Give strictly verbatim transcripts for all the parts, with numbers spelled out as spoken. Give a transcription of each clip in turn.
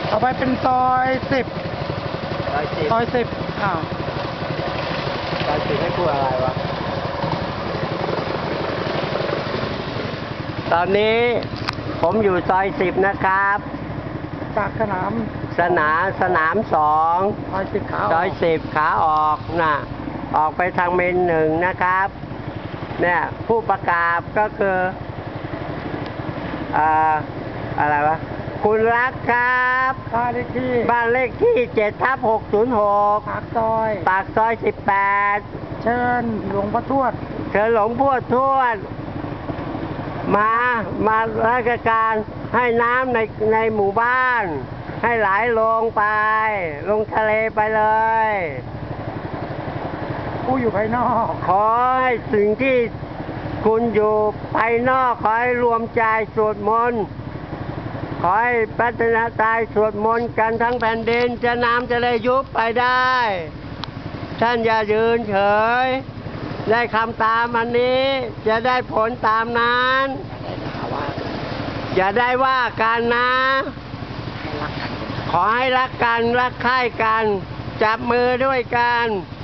ต่อไปเป็นซอยสิบซอยสิบซอยสิบอ้าวซอยสิบให้พูดอะไรวะตอนนี้ผมอยู่ซอยสิบนะครับจากสนามสนามสนามสองซอยสิบขาซอยสิบขาออกนะออกไปทางเมนหนึ่งนะครับ เนี่ยผู้ประกาศก็คืออ่าอะไรวะคุณรักครับบ้านเลขที่บ้านเลขที่เจ็ดทับหกศูนย์หกปากซอยปากซอยสิบแปดเชิญหลวงพ่อทวดเชิญหลวงพ่อทวดมามาราชการให้น้ำในในหมู่บ้าน ให้ไหลลงไป ลงทะเลไปเลยผู้อยู่ภายนอกขอให้สิ่งที่คุณอยู่ภายนอกขอให้รวมใจสวดมนต์ขอให้พัฒนาตายสวดมนต์กันทั้งแผ่นดินจะน้ำจะได้ยุบไปได้ ท่านอย่ายืนเฉย ได้คำตามอันนี้จะได้ผลตามนั้นอย่าได้ว่ากันนะ ขอให้รักกันรักใคร่กัน จับมือด้วยกัน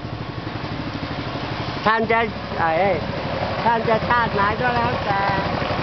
ท่านจะไอ้ท่านจะชาติไหนก็แล้วแต่